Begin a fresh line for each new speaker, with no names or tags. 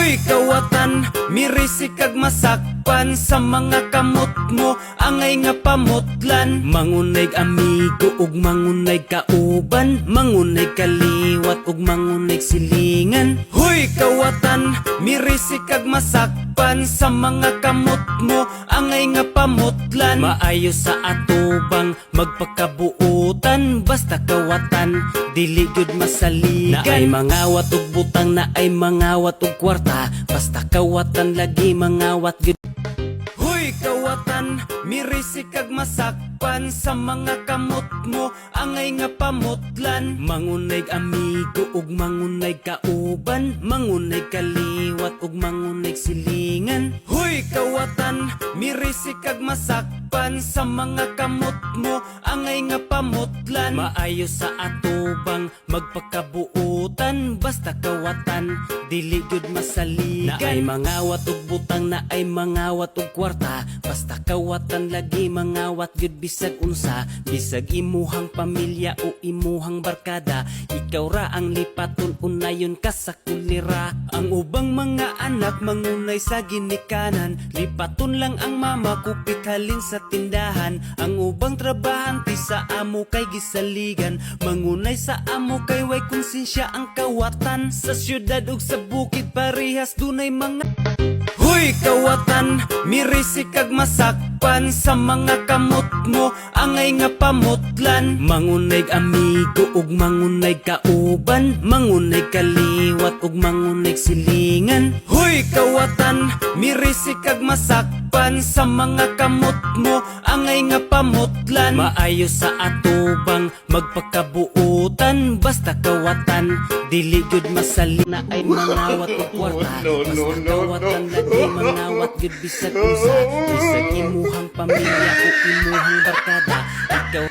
Hoy kawatan, mirisi kag masakpan sa mga kamot mo, angay nga pamutlan. Mangunay amigo ug mangunay kauban, mangunay kaliwat ug mangunay silingan. Hoy kawatan, mirisi kag masakpan sa mga kamot mo, angay nga pamutlan. Maayo sa atubang magpakabuutan, basta kawatan dili gyud masaligan. Na ay mangawat ug butang, na ay mangawat ug kwarta, basta kawatan lagi mangawat gyud. Hoy kawatan, mirisi kag masakpan sa mga kamot mo, angay nga pamutlan. Mangunay amigo ug mangunay kauban, mangunay kaliwat ug mangunay silingan. Hoy kawatan, mirisi kag masakpan sa mga kamot mo, angay nga pamutlan. Maayo sa atubang magpakabuutan, basta kawatan dili gyud masaligan. Na ay mangawat ug butang, na ay mangawat ug kwarta, basta kawatan lagi mangawat gyud bisag unsa. Bisag imuhang pamilya o imuhang barkada, ikaw ra ang lipaton unayon ka sa kulira. Ang ubang mga anak mangunay sa ginikanan, lipaton lang ang mama kupit halin sa tindahan. Ang ubang trabahante sa amo kay gisaligan, mangunay sa amo kay way konsensya ang kawatan. Sa syudad ug sa bukid parehas dunay mga. Hoy kawatan, mirisi kag masakpan sa mga kamot mo, angay nga pamutlan. Mangunay amigo ug mangunay kauban, mangunay kaliwat ug mangunay silingan. Hoy kawatan, mirisi kag masakpan sa mga kamot mo, angay nga pamutlan. Maayo sa atubang magpakabuutan, basta kawatan dili gyud masali. Na ay mangawat ug kwarta, basta kawatan lagi mangawat gyud bisag unsa. Bisag imuhang pamilya o imuhang barkada, ikaw